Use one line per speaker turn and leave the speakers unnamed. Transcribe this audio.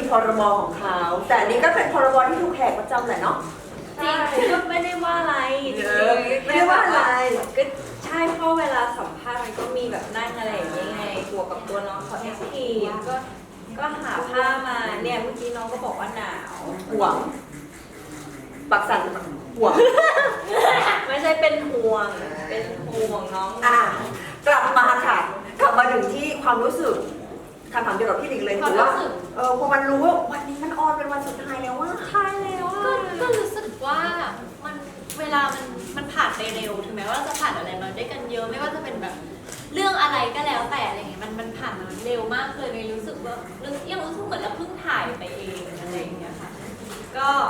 พรบของเขาแต่อันนี้ก็เป็นพรบที่ถูกแหกประจำแหละเนาะ
จริงก็ไม่ได้ว่าอะไร
ไม่ได้ว่าอะไร
ก็ใช่เพราะเวลาสัมภาษณ์มันก็มีแบบนั่งอะไรอย่างเงี้ยไงบวกกับตัวน้องเขาเอ็กซ์ทีก็หาผ้ามาเนี่ยเมื่อกี้น้องก็บอกว่าหนาว
ห่วงปักสั่นห่วง
ไม่ใช่เป็นห่วงเป็นห่วงน้อง
กลับมาค่ะกลับมาถึงที่ความรู้สึกคำถามเดียวกับพี่หลิงเลยถือว่าพอมันรู้ว่าวันนี้มันออนเป็นวันสุดท้ายแล้วว่า
ท้ายแล้ว
ก็รู้สึกว่ามันเวลามันผ่านไปเร็วถึงแม้ว่าเราจะผ่านอะไรมาด้วยกันเยอะไม่ว่าจะเป็นแบบเรื่องอะไรก็แล้วแต่อะไรเงี้ยมันผ่านมาเร็วมากเลยในรู้สึกว่ายังรู้สึกเหมือนเราเพิ่งถ่ายไปเองอะไรอย่างเงี้ยค่ะก็